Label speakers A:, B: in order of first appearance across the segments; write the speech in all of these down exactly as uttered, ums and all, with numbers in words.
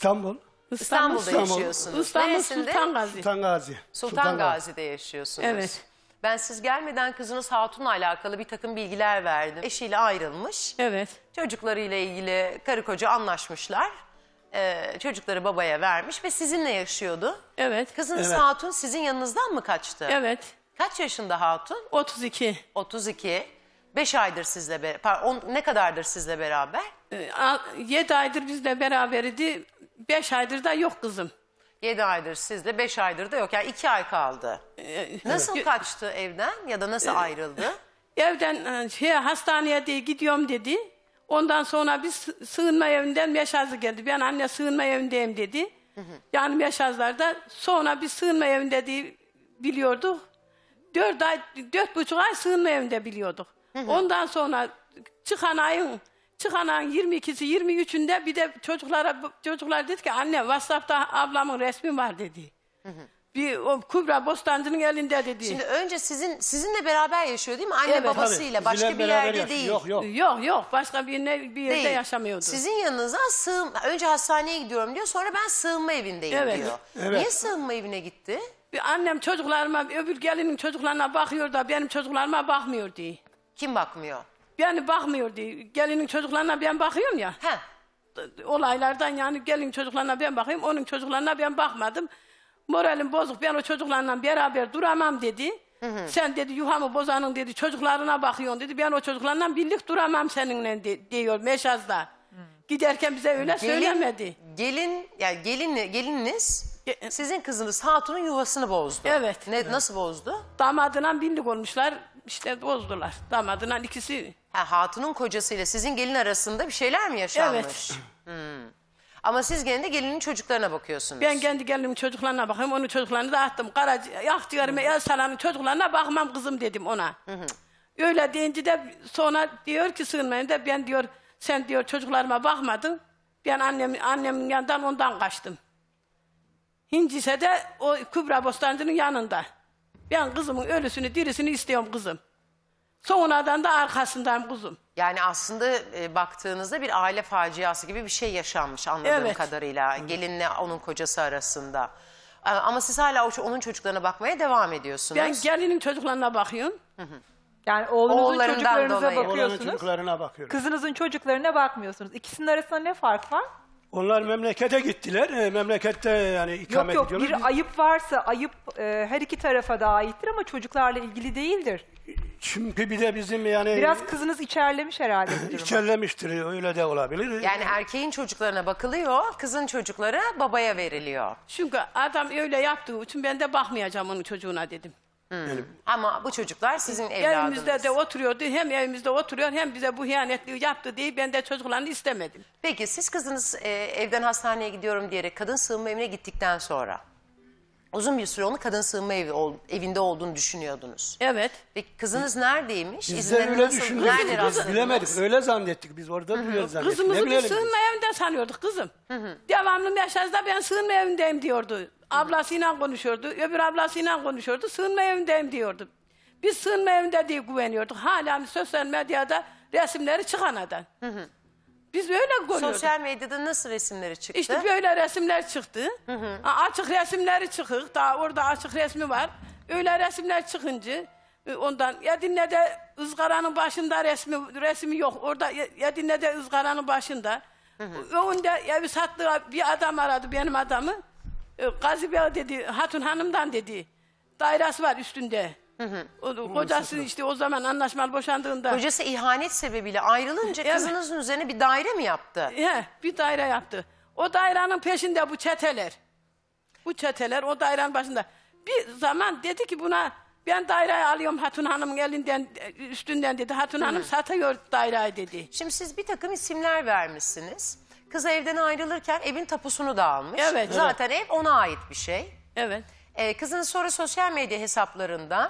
A: İstanbul.
B: İstanbul'da
A: İstanbul.
B: yaşıyorsunuz.
C: İstanbul
B: Neresinde?
C: Sultan Gazi.
A: Sultan Gazi.
B: Sultan Gazi'de yaşıyorsunuz.
C: Evet.
B: Ben siz gelmeden kızınız Hatun'la alakalı bir takım bilgiler verdim. Eşiyle ayrılmış.
C: Evet.
B: Çocuklarıyla ilgili karı koca anlaşmışlar. Ee, çocukları babaya vermiş ve sizinle yaşıyordu.
C: Evet.
B: Kızınız
A: Evet.
B: Hatun sizin yanınızdan mı kaçtı?
C: Evet.
B: Kaç yaşında Hatun?
C: otuz iki.
B: otuz iki. beş aydır sizle beraber. Ne kadardır sizle beraber?
C: yedi aydır bizle beraberdi. beş aydır da yok kızım.
B: yedi aydır sizle, beş aydır da yok. Yani iki ay kaldı.
C: Ee,
B: Nasıl kaçtı evden ya da nasıl ayrıldı?
C: Evden şey, hastaneye diye gidiyorum dedi. Ondan sonra bir sı- sığınma evinden meşazı geldi. Ben anne sığınma evindeyim dedi. Hı hı. Yani meşazlarda. Sonra bir sığınma evinde diye biliyorduk. Dört ay, dört buçuk ay sığınma evinde biliyorduk. Hı hı. Ondan sonra çıkan ayın çıkan ayın yirmi ikisi yirmi üçünde bir de çocuklara çocuklar dedi ki anne WhatsApp'ta ablamın resmi var dedi. Hı hı. Bir o Kübra Bostancı'nın elinde dedi.
B: Şimdi önce sizin sizinle beraber yaşıyor değil mi? Anne
C: Evet.
B: babasıyla
A: Tabii,
B: başka
A: bizimle
B: bir
A: beraber
B: yerde
A: yaşıyor.
B: değil.
A: Yok yok.
C: Yok yok başka bir, ne, bir yerde
B: Değil.
C: yaşamıyordu.
B: Sizin yanınıza sığın önce hastaneye gidiyorum diyor, sonra ben sığınma evindeyim
C: Evet.
B: diyor.
A: Evet.
B: Niye sığınma evine gitti?
C: Bir annem çocuklarıma, öbür gelinin çocuklarına bakıyor da benim çocuklarıma bakmıyor diye.
B: Kim bakmıyor?
C: Yani bakmıyor diye. Gelinin çocuklarına ben bakıyorum ya.
B: Heh.
C: Olaylardan yani gelinin çocuklarına ben bakıyorum, onun çocuklarına ben bakmadım. Moralim bozuk, ben o çocuklarla beraber duramam dedi. Hı hı. Sen dedi yuhamı bozanın dedi çocuklarına bakıyorsun dedi. Ben o çocuklarla birlik duramam seninle de, diyor Meşaz'da. Hı. Giderken bize öyle
B: Gelin,
C: söylemedi.
B: Gelin, yani gelin, gelininiz
C: Ge-
B: sizin kızınız Hatun'un yuvasını bozdu.
C: Evet.
B: Ne, nasıl bozdu?
C: Damadına birlik olmuşlar, işte bozdular. Damadına ikisi.
B: Ha, Hatun'un kocasıyla sizin gelin arasında bir şeyler mi yaşanmış?
C: Evet.
B: Hmm. Ama siz gene de gelinin çocuklarına bakıyorsunuz.
C: Ben kendi gelinimin çocuklarına bakıyorum, onun çocuklarını da attım. Karaci, Akciğerime, El Salan'ın çocuklarına bakmam kızım dedim ona. Hı hı. Öyle deyince de sonra diyor ki sığınmayın da ben diyor, sen diyor çocuklarıma bakmadın. Ben annem, annemin yanından ondan kaçtım. Hincise de o Kübra Bostancı'nın yanında. Ben kızımın ölüsünü, dirisini istiyorum kızım. Sonradan da arkasındayım kızım.
B: Yani aslında e, baktığınızda bir aile faciası gibi bir şey yaşanmış anladığım
C: Evet.
B: kadarıyla. Gelinle onun kocası arasında. E, Ama siz hala o- onun çocuklarına bakmaya devam ediyorsunuz.
C: Ben gelinin çocuklarına bakıyorum.
D: Yani oğlunuzun
B: Oğullarından
D: çocuklarınıza
B: dolayı.
A: Oğlanın
D: bakıyorsunuz.
A: çocuklarına bakıyorum.
D: Kızınızın çocuklarına bakmıyorsunuz. İkisinin arasında ne fark var?
A: Onlar memlekete gittiler. E, memlekette yani
D: Yok
A: ikamet
D: yok
A: ediyorlar.
D: bir
A: Biz-
D: ayıp varsa ayıp e, her iki tarafa da aittir ama çocuklarla ilgili değildir.
A: Çünkü bir de bizim yani
D: Biraz kızınız içerlemiş herhalde bu durumu.
A: içerlemiştir. Öyle de olabilir.
B: Yani erkeğin çocuklarına bakılıyor, kızın çocukları babaya veriliyor.
C: Çünkü adam öyle yaptığı için ben de bakmayacağım onun çocuğuna dedim.
B: Ama bu çocuklar sizin evladınız.
C: Evimizde de oturuyordu, hem evimizde oturuyor hem bize bu hiyanetliği yaptı diye ben de çocuklarını istemedim.
B: Peki siz kızınız e, evden hastaneye gidiyorum diyerek kadın sığınma evine gittikten sonra uzun bir süre onu kadın sığınma evi, ol- evinde olduğunu düşünüyordunuz.
C: Evet.
B: Peki kızınız neredeymiş?
A: Biz de
B: İzinleri
A: öyle
B: nasıl,
A: düşündük.
B: nerede
A: Biz
B: rastladınız?
A: bilemedik. Öyle zannettik. Biz orada biliyoruz zannettik.
C: Kızımızı
A: Ne
C: bir
A: bilelim biz?
C: sığınma evinden sanıyorduk kızım. Devamlı Meşaz'da ben sığınma evindeyim diyordu. Ablasıyla konuşuyordu, öbür ablasıyla konuşuyordu, sığınma evindeyim diyordu. Biz sığınma evinde diye güveniyorduk. Hala sosyal medyada resimleri çıkan adam. Biz öyle görüyorduk.
B: Sosyal medyada nasıl resimleri çıktı?
C: İşte böyle resimler çıktı. Ha, açık resimleri çıkık. Daha orada açık resmi var. Öyle resimler çıkınca e, ondan Edirne'de ızgaranın başında resmi resmi yok. Orada Ye- Edirne'de ızgaranın başında. Önünde evi sattığı bir adam aradı benim adamı. E, Gazi Bey dedi, Hatun Hanım'dan dedi. Dairesi var üstünde. O, kocası işte o zaman anlaşmalı boşandığında.
B: Kocası ihanet sebebiyle ayrılınca
C: Evet.
B: kızınızın üzerine bir daire mi yaptı?
C: He, bir daire yaptı. O dairenin peşinde bu çeteler. Bu çeteler o dairenin başında. Bir zaman dedi ki buna ben daireyi alıyorum Hatun Hanım'ın elinden üstünden dedi. Hatun Hanım satıyor daireyi dedi.
B: Şimdi siz bir takım isimler vermişsiniz. Kız evden ayrılırken evin tapusunu da almış.
C: Evet.
B: Zaten ev ona ait bir şey.
C: Evet.
B: Ee, kızınız sonra sosyal medya hesaplarında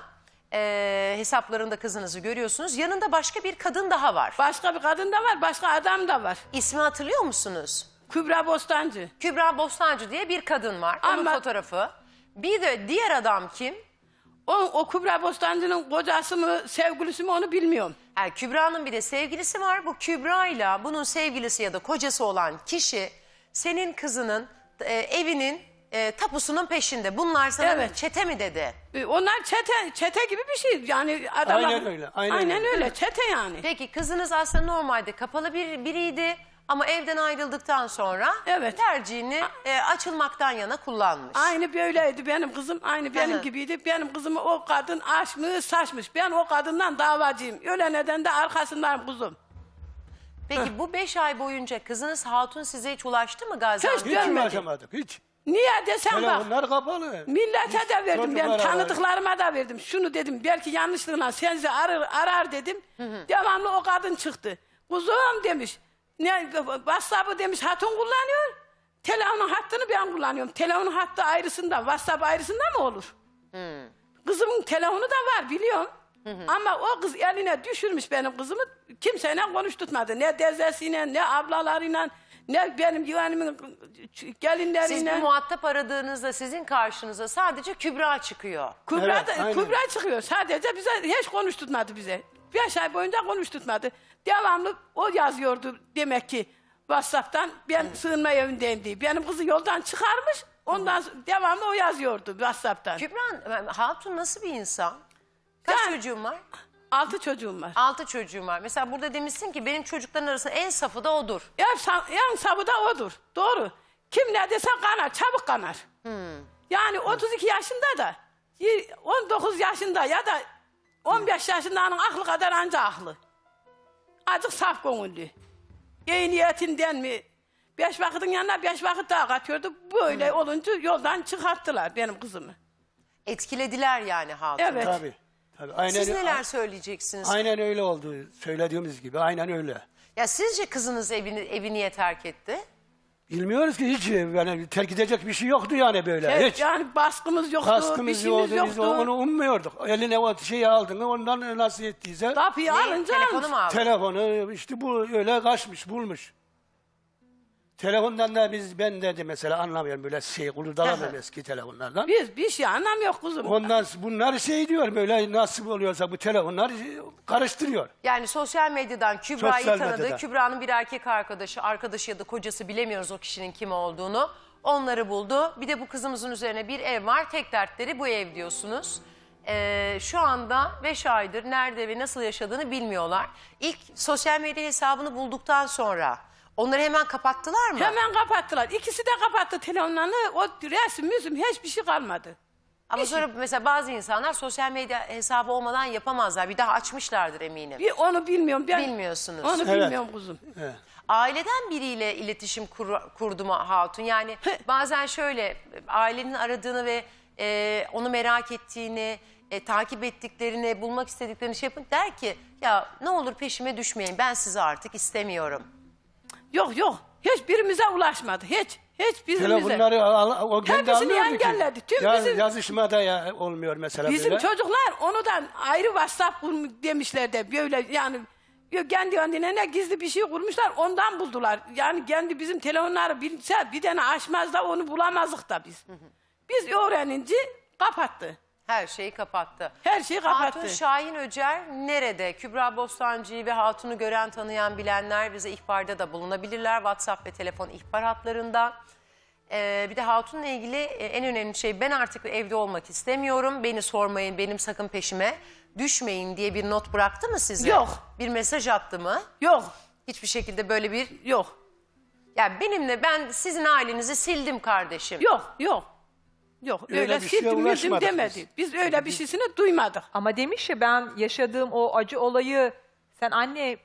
B: e, hesaplarında kızınızı görüyorsunuz. Yanında başka bir kadın daha var.
C: Başka bir kadın da var, başka adam da var.
B: İsmi hatırlıyor musunuz?
C: Kübra Bostancı.
B: Kübra Bostancı diye bir kadın var. Onun
C: Ama-
B: fotoğrafı. Bir de diğer adam kim?
C: O, o Kübra Bostancı'nın kocası mı, sevgilisi mi onu bilmiyorum.
B: Yani Kübra'nın bir de sevgilisi var. Bu Kübra ile bunun sevgilisi ya da kocası olan kişi senin kızının e, evinin e, tapusunun peşinde. Bunlar sana
C: Evet.
B: çete mi dedi?
C: E, Onlar çete, çete gibi bir şey. Yani adamlar,
A: Aynen öyle, aynen öyle.
C: öyle. Çete yani.
B: Peki kızınız aslında normalde kapalı bir biriydi ama evden ayrıldıktan sonra
C: Evet.
B: tercihini e, açılmaktan yana kullanmış.
C: Aynı böyleydi benim kızım. Aynı benim
B: Hı hı.
C: gibiydi. Benim kızımı o kadın aşmış, saçmış. Ben o kadından davacıyım. Öyle neden de arkasındayım kuzum.
B: Peki bu beş ay boyunca kızınız Hatun size hiç ulaştı mı Gaziantep'te?
C: Hiç
A: Hiç
C: görmedim.
A: ulaşamadık hiç.
C: Niye desem bak.
A: Telefonlar kapalı.
C: Millete de verdim, ben
A: Çocuklara
C: tanıdıklarıma da verdim. Şunu dedim, belki yanlışlığına senzi arar, arar dedim. Devamlı o kadın çıktı. Kuzum demiş, ne WhatsApp'ı demiş Hatun kullanıyor. Telefonun hattını ben kullanıyorum. Telefonun hattı ayrısında, WhatsApp ayrısında mı olur? Kızımın telefonu da var biliyorum. Ama o kız eline düşürmüş benim kızımı. Kimseyle konuşturtmadı. Ne teyzesiyle, ne ablalarıyla, ne benim yeğenimin gelinleriyle.
B: Siz bir muhatap aradığınızda sizin karşınıza sadece Kübra çıkıyor.
C: Kübra,
A: Evet,
C: da,
A: aynen.
C: Kübra çıkıyor. Sadece bize hiç konuşturtmadı bize. Beş ay boyunca konuşturtmadı. Devamlı o yazıyordu demek ki WhatsApp'tan. Ben sığınma evindeyim diye. Benim kızı yoldan çıkarmış. Ondan sonra devamlı o yazıyordu WhatsApp'tan.
B: Kübra, Hatun nasıl bir insan? Kaç
C: Yani-
B: çocuğun var?
C: Altı çocuğum var.
B: Altı çocuğum var. Mesela burada demişsin ki benim çocukların arasında en safı da odur.
C: En, sa- en sabı da odur. Doğru. Kim ne dese kanar. Çabuk kanar. Yani otuz iki yaşında da y- on dokuz yaşında ya da on beş yaşındanın aklı kadar anca aklı. Azıcık saf gönüllü. İyi niyetinden mi? Beş vakitin yanına beş vakit daha katıyordu. Böyle olunca yoldan çıkarttılar benim kızımı.
B: Etkilediler yani Hatun.
C: Evet.
A: Tabii. Tabii. Aynen,
B: Siz neler söyleyeceksiniz?
A: aynen öyle oldu. Söylediğimiz gibi. Aynen öyle.
B: Ya sizce kızınız evini, evi niye terk etti?
A: Bilmiyoruz ki hiç yani terk edecek bir şey yoktu yani böyle.
C: Evet,
A: hiç.
C: yani baskımız yoktu, bir
A: Kaskımız
C: şeyimiz
A: yoktu. Biz
C: yoktu.
A: onu ummuyorduk. Eline o şeyi aldın ondan nasıl ettiyse
C: Kapıyı
B: Ne?
C: alınca
B: Telefonu
C: almış.
B: mu aldın?
A: telefonu işte bu öyle kaçmış bulmuş. Telefondan da biz ben de mesela anlamıyorum böyle şey kulurdalamıyorum eski telefonlardan.
C: Biz bir şey anlamıyor kuzum.
A: Ondan bunlar şey diyor böyle nasıl oluyorsa bu telefonlar karıştırıyor.
B: Yani sosyal medyadan Kübra'yı
A: Sosyal
B: tanıdı.
A: medyadan.
B: Kübra'nın bir erkek arkadaşı, arkadaşı ya da kocası bilemiyoruz o kişinin kim olduğunu. Onları buldu. Bir de bu kızımızın üzerine bir ev var. Tek dertleri bu ev diyorsunuz. Ee, şu anda beş aydır nerede ve nasıl yaşadığını bilmiyorlar. İlk sosyal medya hesabını bulduktan sonra onları hemen kapattılar mı?
C: Hemen kapattılar. İkisi de kapattı telefonlarını. O resim, müzüm hiçbir şey kalmadı.
B: Ama sonra mesela bazı insanlar sosyal medya hesabı olmadan yapamazlar. Bir daha açmışlardır eminim.
C: Bir onu bilmiyorum. Ben
B: Bilmiyorsunuz.
C: Onu
A: Evet.
C: bilmiyorum kuzum.
A: Evet.
B: Aileden biriyle iletişim kur, kurdu mu Hatun? Yani bazen şöyle ailenin aradığını ve e, onu merak ettiğini, e, takip ettiklerini, bulmak istediklerini şey yapın der ki ya ne olur peşime düşmeyin ben sizi artık istemiyorum.
C: Yok yok. Hiçbirimize ulaşmadı. Hiç. Hiçbirimize.
A: Telefonları al, o kendi
C: Hepsini
A: almıyordu ki.
C: engelledi. Tüm
A: Ya-
C: bizim-
A: Yazışmada ya olmuyor mesela
C: Bizim
A: böyle.
C: çocuklar onudan ayrı WhatsApp kurmuş demişler de böyle yani kendi kendine ne gizli bir şey kurmuşlar ondan buldular. Yani kendi bizim telefonları bilse bir tane açmaz da onu bulamazdık da biz. Biz öğrenince kapattı.
B: Her şeyi kapattı.
C: Her şeyi kapattı.
B: Hatun Şahin Öcer nerede? Kübra Bostancı'yı ve Hatun'u gören tanıyan bilenler bize ihbarda da bulunabilirler. WhatsApp ve telefon ihbar hatlarından. Ee, bir de Hatun'la ilgili e, en önemli şey ben artık evde olmak istemiyorum. Beni sormayın benim sakın peşime düşmeyin diye bir not bıraktı mı size?
C: Yok.
B: Bir mesaj attı mı?
C: Yok.
B: Hiçbir şekilde böyle bir...
C: Yok.
B: Yani benimle ben sizin ailenizi sildim kardeşim.
C: Yok. Yok. Yok.
A: Öyle
C: Öyle
A: bir şeye
C: sildim müzüm
A: ulaşmadık
C: demedi.
A: biz.
C: Biz. öyle bir şeysini duymadık.
D: Ama demiş ya ben yaşadığım o acı olayı sen anne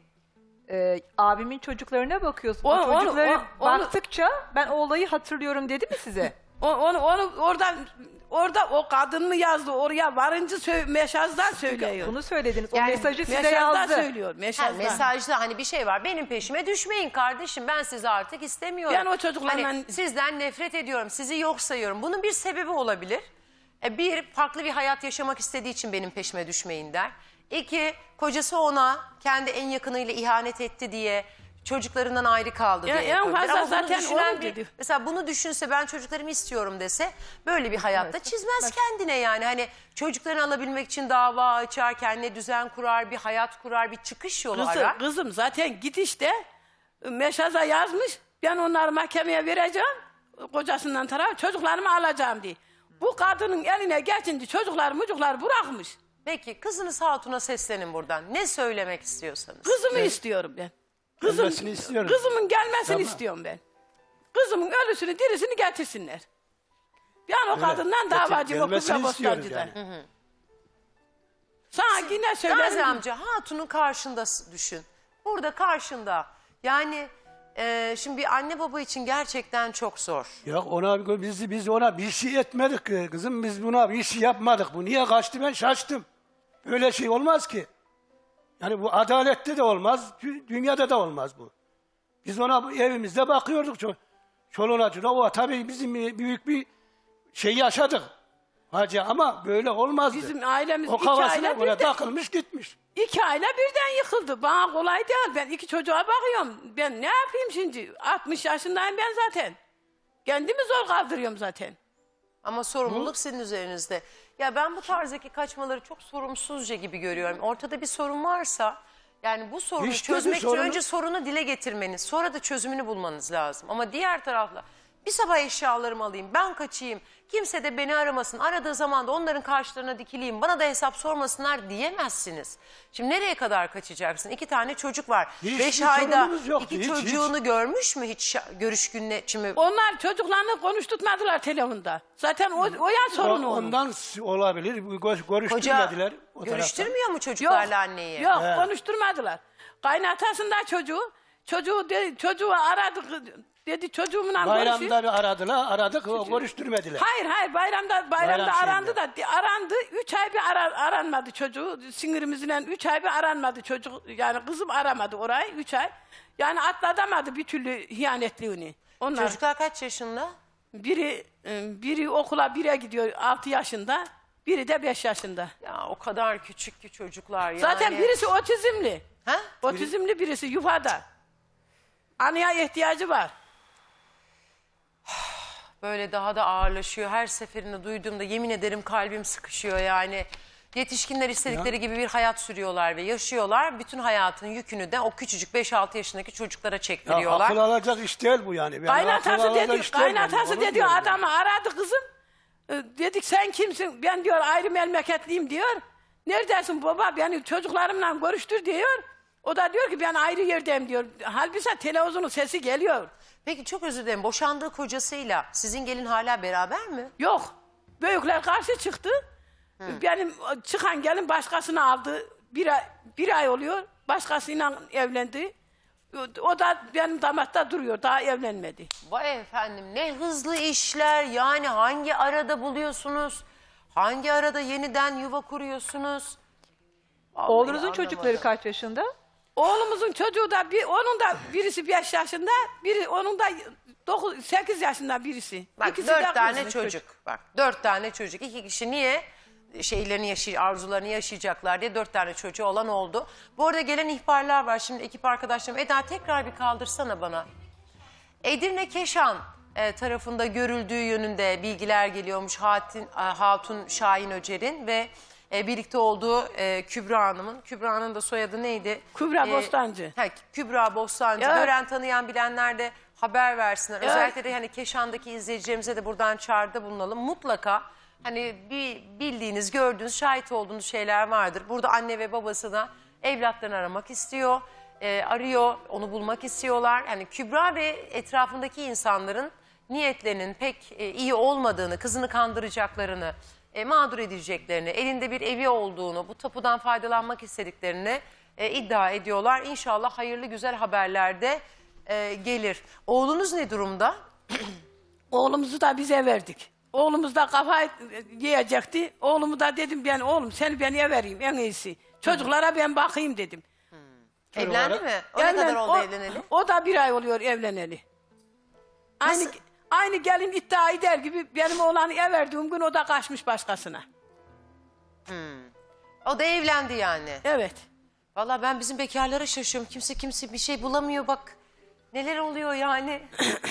D: e, abimin çocuklarına bakıyorsun. O,
C: O- onu-
D: çocukları
C: o- onu-
D: baktıkça ben o olayı hatırlıyorum dedi mi size?
C: O- Onu, onu oradan orada o kadın mı yazdı oraya varınca sö- mesajdan söylüyor.
D: Bunu söylediniz. O
B: Yani
D: mesajı size
C: mesajdan
D: yazdı.
C: söylüyor.
B: Ha,
C: Mesajdan.
B: mesajda hani bir şey var. Benim peşime düşmeyin kardeşim. Ben sizi artık istemiyorum.
C: Ben o çocuklarla-
B: Hani sizden nefret ediyorum. Sizi yok sayıyorum. Bunun bir sebebi olabilir. E, bir, farklı bir hayat yaşamak istediği için benim peşime düşmeyin der. İki, kocası ona kendi en yakınıyla ihanet etti diye çocuklarından ayrı kaldı
C: Ya,
B: diye
C: en
B: yapabilir.
C: fazla
B: Ama bunu
C: zaten
B: düşünen
C: onu
B: bir-
C: dedi.
B: Mesela bunu düşünse ben çocuklarımı istiyorum dese böyle bir hayatta çizmez kendine yani. Hani çocuklarını alabilmek için dava açar, kendine düzen kurar, bir hayat kurar, bir çıkış yolu
C: Kızım,
B: arar.
C: kızım zaten gidişte meşaza yazmış. Ben onları mahkemeye vereceğim. Kocasından taraf çocuklarımı alacağım diye. Bu kadının eline geçince çocuklar mucuklar bırakmış.
B: Peki kızınız Hatun'a seslenin buradan. Ne söylemek istiyorsanız.
C: Kızımı istiyorum ben. Kızım,
A: Gelmesini istiyorum.
C: Kızımın gelmesini
A: Tamam.
C: istiyorum ben. Kızımın ölüsünü dirisini getirsinler. Ben o
A: Öyle.
C: kadından
A: Getir-
C: davacıyım o
A: gelmesini
C: Kübra
A: istiyoruz
C: Bostancı'dan.
A: yani.
C: Sana yine
B: Gazi
C: söylerim.
B: amca Hatun'un karşında s- düşün. Burada karşında. Yani e, şimdi bir anne baba için gerçekten çok zor.
A: Ya ona biz biz ona bir şey etmedik ki kızım, biz buna bir şey yapmadık. Bu niye kaçtı, ben şaştım. Böyle şey olmaz ki. Yani bu adalette de olmaz, dü- dünyada da olmaz bu. Biz ona bu evimizde bakıyorduk. Ço- Çoluğuna çocuğuna, o tabii bizim büyük bir şey yaşadık. Hacı, ama böyle olmazdı.
C: Bizim ailemiz
A: o
C: iki
A: kafasına
C: aile
A: böyle
C: birden,
A: takılmış gitmiş.
C: iki aile birden yıkıldı. Bana kolay değil. Ben iki çocuğa bakıyorum. Ben ne yapayım şimdi? altmış yaşındayım ben zaten. Kendimi zor kaldırıyorum zaten.
B: Ama sorumluluk sizin üzerinizde. Ya ben bu tarzdaki kaçmaları çok sorumsuzca gibi görüyorum. Ortada bir sorun varsa yani bu sorunu
A: İşte bir
B: çözmek için
A: sorunu-
B: önce sorunu dile getirmeniz, sonra da çözümünü bulmanız lazım. Ama diğer tarafla bir sabah eşyalarımı alayım, ben kaçayım, kimse de beni aramasın, aradığı zaman da onların karşılarına dikileyim, bana da hesap sormasınlar diyemezsiniz. Şimdi nereye kadar kaçacaksın? İki tane çocuk var.
A: Hiçbir
B: Beş ayda
A: sorunumuz yoktu,
B: iki
A: hiç,
B: çocuğunu görmüş mü hiç şa- görüş gününe? Şimdi
C: Onlar çocuklarını konuşturmadılar telefonda. Zaten o, o ya sorunu
A: O-
C: onun.
A: Ondan s- olabilir. Bu gö-
B: koca
A: Görüştürmediler. o taraftan.
B: görüştürmüyor mu çocuklarla anneyi?
C: Yok
A: He.
C: konuşturmadılar. Kaynatasında çocuğu, çocuğu de, çocuğu aradık dedi çocuğumla konuşuyor.
A: Bayramda bir aradılar, aradık, o görüştürmediler.
C: Hayır hayır bayramda bayramda
A: Bayram
C: arandı
A: şeyinde.
C: da arandı. Üç ay bir ara, aranmadı çocuğu. Sinirimizle üç ay bir aranmadı çocuk. Yani kızım aramadı orayı üç ay. Yani atlatamadı bir türlü hiyanetliğini. Onlar
B: Çocuklar kaç yaşında?
C: biri e, biri okula bire gidiyor altı yaşında. Biri de beş yaşında.
B: Ya o kadar küçük ki çocuklar yani.
C: Zaten birisi otizmli.
B: Ha?
C: Otizmli birisi yufada. Anıya ihtiyacı var.
B: Böyle daha da ağırlaşıyor. Her seferinde duyduğumda yemin ederim kalbim sıkışıyor yani. Yetişkinler istedikleri gibi bir hayat sürüyorlar ve yaşıyorlar. Bütün hayatın yükünü de o küçücük beş altı yaşındaki çocuklara
A: Ya
B: çektiriyorlar.
A: akıl alacak iş değil bu yani. Yani akıl
C: Kaynatası
A: alacak
C: dedi,
A: iş değil yani,
C: kaynatası
A: onu
C: dedi
A: diyorum yani.
C: adamı aradı kızım. Ee, Dedik sen kimsin? Ben diyor ayrı memleketliyim diyor. Neredesin baba? Beni çocuklarımla görüştür diyor. O da diyor ki ben ayrı yerdeyim diyor. Halbuki televizyonun sesi geliyor.
B: Peki çok özür dilerim. Boşandığı kocasıyla sizin gelin hala beraber mi?
C: Yok. Büyükler karşı çıktı. Benim çıkan gelin başkasını aldı. Bir ay, bir ay oluyor. Başkasıyla evlendi. O da benim damatta duruyor. Daha evlenmedi.
B: Vay efendim ne hızlı işler. Yani hangi arada buluyorsunuz? Hangi arada yeniden yuva kuruyorsunuz? Vallahi
D: Oğlunuzun
B: anlamadım.
D: çocukları kaç yaşında?
C: Oğlumuzun çocuğu da bir, onun da birisi beş yaşında, biri onun da dokuz, sekiz yaşında birisi.
B: Bak
C: İkisi
B: dört
C: de
B: tane
C: kız.
B: çocuk. Bak dört tane çocuk. İki kişi niye şeylerini yaşay arzularını yaşayacaklar diye dört tane çocuğu olan oldu. Bu arada gelen ihbarlar var. Şimdi ekip arkadaşlarım Eda tekrar bir kaldırsana bana. Edirne Keşan e, tarafında görüldüğü yönünde bilgiler geliyormuş Hatin, e, Hatun Şahin Öcer'in ve e, birlikte olduğu e, Kübra Hanım'ın. Kübra'nın da soyadı neydi?
C: Kübra Bostancı.
B: Ha, Kübra Bostancı.
C: Evet.
B: Gören tanıyan bilenler de haber versinler.
C: Evet.
B: Özellikle de hani Keşan'daki izleyicilerimize de buradan çağrıda bulunalım. Mutlaka hani bir bildiğiniz, gördüğünüz, şahit olduğunuz şeyler vardır. Burada anne ve babası da evlatlarını aramak istiyor. e, arıyor, onu bulmak istiyorlar. Yani Kübra ve etrafındaki insanların niyetlerinin pek e, iyi olmadığını, kızını kandıracaklarını, e, mağdur edeceklerini, elinde bir evi olduğunu, bu tapudan faydalanmak istediklerini e, iddia ediyorlar. İnşallah hayırlı güzel haberler de e, gelir. Oğlunuz ne durumda?
C: Oğlumuzu da bize verdik. Oğlumuz da kafayı yiyecekti. Oğlumu da dedim ben oğlum seni ben vereyim en iyisi. Çocuklara ben bakayım dedim.
B: Evlendi mi? O ne
C: Evlen-
B: kadar oldu
C: o,
B: evleneli?
C: O da bir ay oluyor evleneli. Aynı,
B: Nasıl?
C: aynı gelin iddia eder gibi benim oğlanı ev verdiğim gün o da kaçmış başkasına.
B: O da evlendi yani.
C: Evet.
B: Vallahi ben bizim bekarlara şaşıyorum. Kimse kimse bir şey bulamıyor bak. Neler oluyor yani?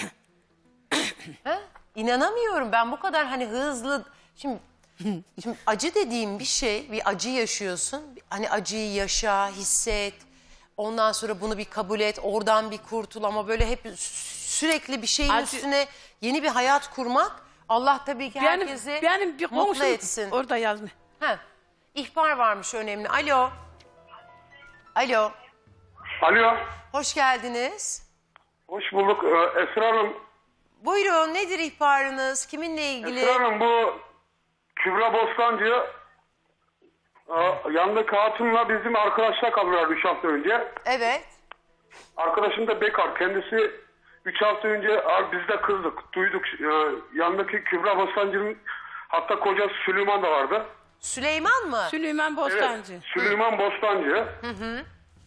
B: ha? İnanamıyorum ben bu kadar hani hızlı. Şimdi, şimdi acı dediğim bir şey, bir acı yaşıyorsun. Hani acıyı yaşa, hisset. Ondan sonra bunu bir kabul et, oradan bir kurtul ama böyle hep sürekli bir şeyin
C: Acı-
B: üstüne yeni bir hayat kurmak Allah tabii ki
C: Benim,
B: herkesi
C: benim bir
B: mutlu
C: komşum
B: etsin.
C: orada yazmış.
B: Heh. İhbar varmış önemli. Alo. Alo.
E: Alo,
B: Hoş geldiniz.
E: hoş bulduk. Ee, Esra Hanım,
B: Buyurun nedir ihbarınız? Kiminle ilgili?
E: Esra Hanım bu Kübra Bostancı e, yandaki hatunla bizim arkadaşlar kaldılar üç hafta önce.
B: Evet.
E: Arkadaşım da bekar. Kendisi üç hafta önce "Abi biz de kızdık, duyduk. E, yandaki Kübra Bostancı'nın hatta kocası Süleyman da vardı.
B: Süleyman mı?
C: Süleyman Bostancı.
E: Evet, Süleyman Bostancı. Hı hı.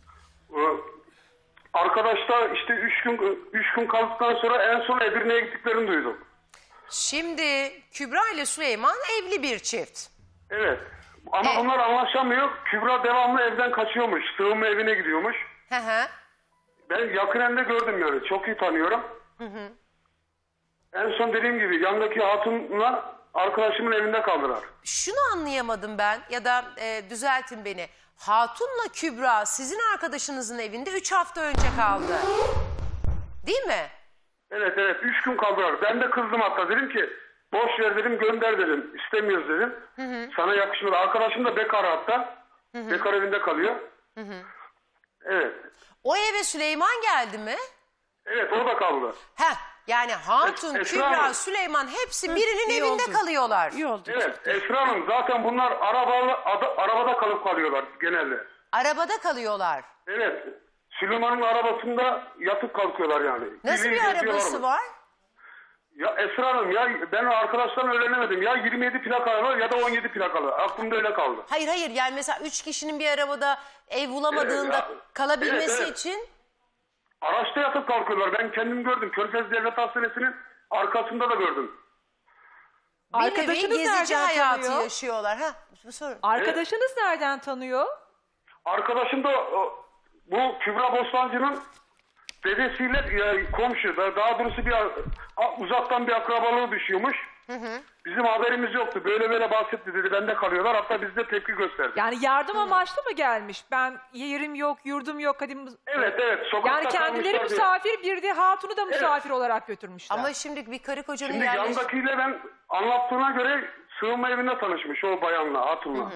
E: Arkadaşlar işte üç gün üç gün kaldıktan sonra en son Edirne'ye gittiklerini duydum.
B: Şimdi Kübra ile Süleyman evli bir çift.
E: Evet. Ama
B: E-
E: bunlar anlaşamıyor. Kübra devamlı evden kaçıyormuş. Sığınma evine gidiyormuş.
B: Hı hı.
E: Ben yakinen de gördüm yani. Çok iyi tanıyorum. Hı hı. En son dediğim gibi yandaki hatunla arkadaşımın evinde kaldılar.
B: Şunu anlayamadım ben ya da e, düzeltin beni. Hatun'la Kübra sizin arkadaşınızın evinde üç hafta önce kaldı. Değil mi?
E: Evet evet. Üç gün kaldılar. Ben de kızdım hatta. Dedim ki boş ver dedim, gönder dedim. İstemiyoruz dedim. Hı hı. Sana yakışmıyor. Arkadaşım da bekar hatta. Hı hı. Bekar evinde kalıyor. Hı hı. Evet.
B: O eve Süleyman geldi mi?
E: Evet o da kaldı.
B: Heh, yani Hatun,
E: Es- Esra
B: Kübra,
E: Hanım.
B: Süleyman hepsi birinin
C: iyi
B: evinde
C: oldu.
B: kalıyorlar.
C: İyi oldu.
E: Evet Esra Hanım zaten bunlar arabalı, ada- arabada kalıp kalıyorlar genelde.
B: Arabada kalıyorlar.
E: Evet. Süleyman'ın arabasında yatıp kalkıyorlar yani.
B: Nasıl
E: Birbirine
B: bir
E: geziyorlar
B: arabası
E: mı?
B: var?
E: Ya Esra Hanım ya ben arkadaşlardan öğrenemedim. Ya yirmi yedi plakalı ya da on yedi plakalı. Aklımda öyle kaldı.
B: Hayır hayır yani mesela üç kişinin bir arabada ev bulamadığında
E: Evet, ya-
B: kalabilmesi
E: evet, evet.
B: için
E: Araçta yatıp kalkıyorlar. Ben kendim gördüm. Körfez Devlet Hastanesi'nin arkasında da gördüm.
B: bir nevi
D: Arkadaşınız
B: gezici
D: nereden
B: hayatı
D: tanıyor?
B: yaşıyorlar. Ha, bu sorun.
D: Arkadaşınız nereden tanıyor?
E: Arkadaşım da o, bu Kübra Bostancı'nın dedesiyle e, komşu. Da- Daha doğrusu bir a- uzaktan bir akrabalığı düşüyormuş. Hı hı. Bizim haberimiz yoktu. Böyle böyle bahsetti dedi. Bende kalıyorlar. Hatta biz de tepki gösterdik.
D: Yani yardım amaçlı mı gelmiş? Ben yerim yok, yurdum yok. Hadi mı-
E: Evet evet. Sokakta
D: Yani kendileri
E: kalmışlar diye.
D: misafir, bir de hatunu da misafir olarak götürmüşler.
B: Ama şimdi bir karı kocanın
E: Şimdi
B: yerleş...
E: yandakiyle ben anlattığına göre sığınma evinde tanışmış o bayanla, hatunla.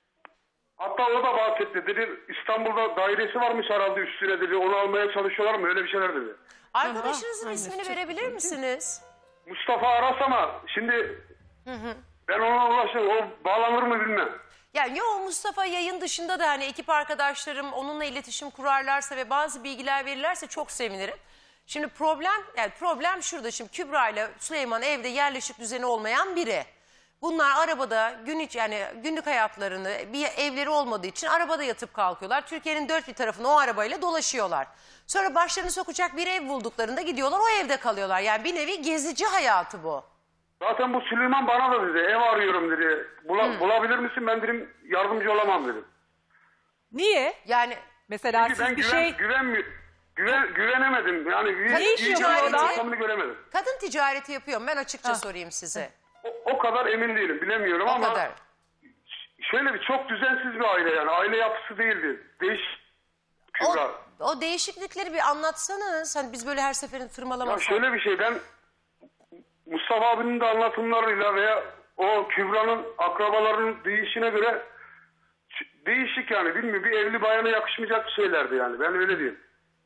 E: Hatta o da bahsetti. Dedi İstanbul'da dairesi varmış herhalde üstüne dedi. Onu almaya çalışıyorlar mı? Öyle bir şeyler dedi.
B: Arkadaşınızın
C: Aha,
B: ismini
C: aynen.
B: verebilir misiniz?
E: Mustafa Aras ama şimdi ben ona ulaştım. O bağlanır mı bilmem.
B: Yani yo Mustafa yayın dışında da hani ekip arkadaşlarım onunla iletişim kurarlarsa ve bazı bilgiler verirlerse çok sevinirim. Şimdi problem yani problem şurada şimdi Kübra ile Süleyman evde yerleşik düzeni olmayan biri. Bunlar arabada gün iç yani günlük hayatlarını bir evleri olmadığı için arabada yatıp kalkıyorlar. Türkiye'nin dört bir tarafını o arabayla dolaşıyorlar. Sonra başlarını sokacak bir ev bulduklarında gidiyorlar o evde kalıyorlar. Yani bir nevi gezici hayatı bu.
E: Zaten bu Süleyman bana da dedi. Ev arıyorum dedi. Bula- Bulabilir misin? Ben dedim yardımcı olamam dedim.
D: Niye?
B: Yani
D: Mesela
E: Çünkü ben
D: siz bir
E: güven,
D: şey...
E: güven, güven, güvenemedim. Yani
B: Ne iş
E: iyi
B: yapıyor
E: bir
B: orada?
E: ortamını göremedim.
B: kadın ticareti yapıyorum ben açıkça sorayım size.
E: O, o kadar emin değilim. Bilemiyorum
B: O
E: ama
B: kadar.
E: şöyle bir çok düzensiz bir aile yani. Aile yapısı değildi. Değiş
B: O,
E: Kübra.
B: o değişiklikleri bir anlatsanız. Hani biz böyle her seferin
E: Ya
B: tırmalamasak.
E: şöyle bir şey ben Mustafa abinin de anlatımlarıyla veya o Kübra'nın akrabalarının değişine göre ç- değişik yani bilmiyorum bir evli bayana yakışmayacak şeylerdi yani ben öyle diyeyim.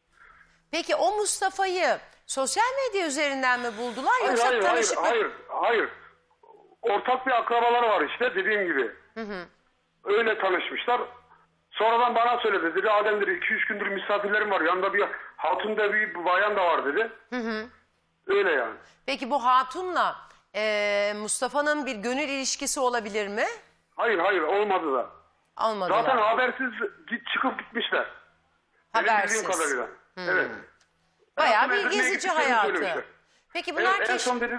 B: Peki o Mustafa'yı sosyal medya üzerinden mi buldular
E: Hayır
B: yoksa
E: hayır hayır
B: tanışıklık?
E: hayır hayır. Ortak bir akrabaları var işte dediğim gibi. Öyle tanışmışlar. Sonradan bana söyledi. Dedi Adem dedi iki üç gündür misafirlerim var. Yanında bir hatun da bir bayan da var dedi. Öyle yani.
B: Peki bu hatunla e, Mustafa'nın bir gönül ilişkisi olabilir mi?
E: Hayır hayır olmadı da.
B: Olmadılar.
E: Zaten habersiz git, çıkıp gitmişler. Benim
B: Habersiz.
E: bildiğim kadarıyla. Evet.
B: Bayağı
E: En son
B: bir
E: Edirne'ye
B: gezici
E: gittiklerini
B: hayatı.
E: söylemişler.
B: Peki bunlar
E: Evet, en
B: keş...
E: son dedi,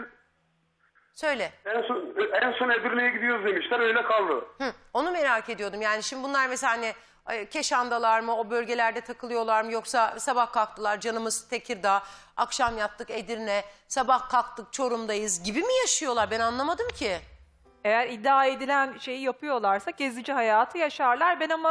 B: Söyle.
E: en son en son Edirne'ye gidiyoruz demişler öyle kaldı.
B: Hı, onu merak ediyordum. Yani şimdi bunlar mesela hani e, Keşan'dalar mı, o bölgelerde takılıyorlar mı yoksa sabah kalktılar canımız Tekirdağ, akşam yattık Edirne, sabah kalktık Çorum'dayız gibi mi yaşıyorlar? Ben anlamadım ki.
D: Eğer iddia edilen şeyi yapıyorlarsa gezici hayatı yaşarlar. Ben ama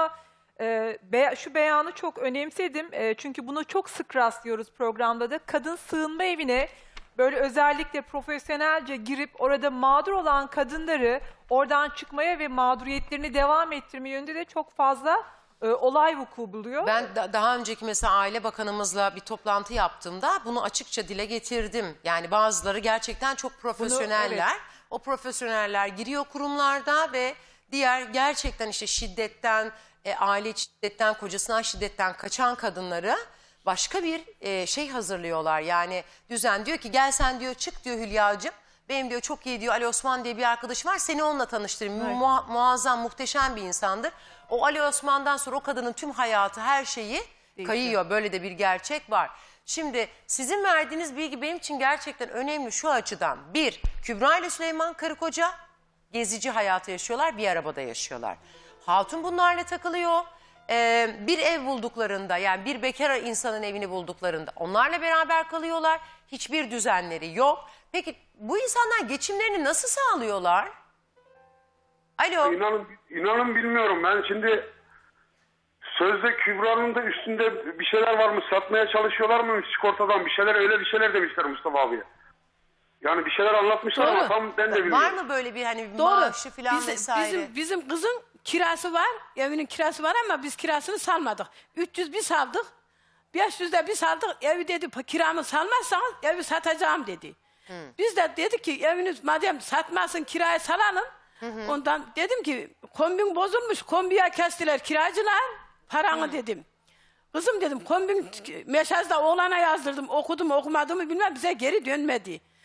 D: Ee, be- şu beyanı çok önemsedim. Ee, çünkü bunu çok sık rastlıyoruz programda da. Kadın sığınma evine böyle özellikle profesyonelce girip orada mağdur olan kadınları oradan çıkmaya ve mağduriyetlerini devam ettirme yönünde de çok fazla e, olay vuku buluyor.
B: Ben da- daha önceki mesela Aile Bakanımızla bir toplantı yaptığımda bunu açıkça dile getirdim. Yani bazıları gerçekten çok profesyoneller.
D: evet.
B: O profesyoneller giriyor kurumlarda ve diğer gerçekten işte şiddetten, e, aile içi şiddetten, kocasından şiddetten kaçan kadınları başka bir e, şey hazırlıyorlar. Yani düzen diyor ki gel sen diyor çık diyor Hülya'cığım. Benim diyor çok iyi diyor Ali Osman diye bir arkadaşım var, seni onunla tanıştırayım.
D: Evet.
B: Mua- muazzam, muhteşem bir insandır. O Ali Osman'dan sonra o kadının tüm hayatı, her şeyi kayıyor. Böyle de bir gerçek var. Şimdi sizin verdiğiniz bilgi benim için gerçekten önemli şu açıdan. Bir, Kübra ile Süleyman karı koca gezici hayatı yaşıyorlar, bir arabada yaşıyorlar. Hatun bunlarla takılıyor. Ee, bir ev bulduklarında, yani bir bekar insanın evini bulduklarında onlarla beraber kalıyorlar. Hiçbir düzenleri yok. Peki bu insanlar geçimlerini nasıl sağlıyorlar? Alo.
E: İnanın, inanın bilmiyorum. Ben şimdi sözde Kübra'nın da üstünde bir şeyler var mı? Satmaya çalışıyorlar mı? Sigortadan bir şeyler, öyle bir şeyler demişler Mustafa abiye. Yani bir şeyler anlatmışlar
C: Doğru.
E: ama tam ben de bilmiyorum.
B: Var mı böyle bir hani
C: Doğru.
B: maaşı falan
C: Bizim-
B: vesaire?
C: Bizim, bizim kızın kirası var. Evinin kirası var ama biz kirasını salmadık. üç yüz bir saldık. beş yüz de bir saldık. Evi dedi kiramı salmazsanız evi satacağım dedi. Biz de dedik ki eviniz madem satmasın kiraya salalım. Ondan dedim ki kombin bozulmuş. Kombiye kestiler kiracılar. Paranı dedim. Kızım dedim kombin meşazda oğlana yazdırdım. Okudum okumadığımı bilmem bize geri dönmedi.